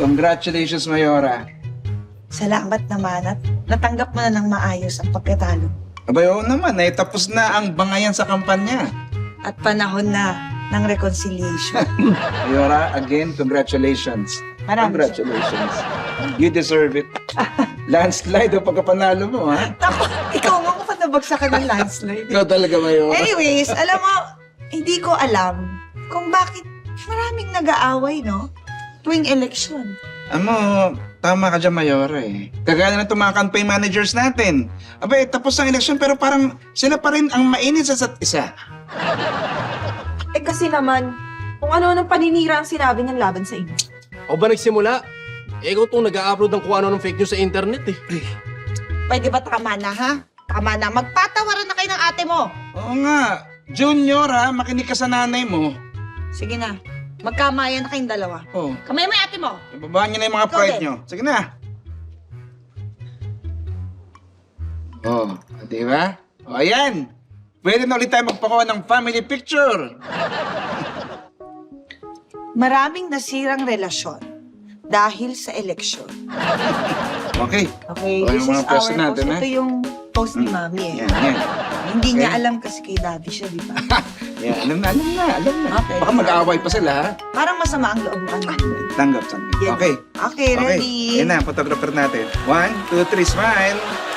Congratulations, Mayora. Salamat naman at natanggap mo na ng maayos ang pagkatalo. Abay, oo naman. Tapos na ang bangayan sa kampanya. At panahon na ng reconciliation. Mayora, again, congratulations. Maraming Congratulations. You deserve it. Landslide ang pagkapanalo mo, ha? Ako, ikaw nga kung nabagsakan ng landslide. Ikaw talaga, Mayora. Anyways, alam mo, hindi ko alam kung bakit maraming nag-aaway, no? Tuwing eleksyon. Amo, tama ka dyan, Mayora eh. Kagaya na itong mga campaign managers natin. Abay, tapos ang eleksyon pero parang sila pa rin ang mainit sa isa't isa. Eh kasi naman, kung ano-anong paninira ang sinabi ng laban sa inyo. O ba nagsimula? Ikaw itong nag-a-upload ng kung ano ng fake news sa internet eh. Pwede ba tama na, ha? Tama na. Magpatawaran na kayo ng ate mo. Oo nga. Junior ha, makinig ka sa nanay mo. Sige na. Magkamayan na kayong dalawa. Oh, Kamay mo yung ate mo. ibabaan niyo na yung mga Ikaw pride din. niyo. Sige na. Oh, di ba? O, ayan. Pwede na ulit tayo magpakuha ng family picture. Maraming nasirang relasyon dahil sa eleksyon. Okay. Okay, O, this yung mga is pwesto our natin, post. ha? Ito yung post ni Mami eh. Yan, yan. Hindi niya Okay. alam kasi kay Daddy siya, di ba? Yan, alam na. Okay. Baka mag-aaway pa sila, ha? Parang masama ang loob mo. Tanggap. Yan. Okay. Okay, ready? Yan na, photographer natin. 1, 2, 3, smile.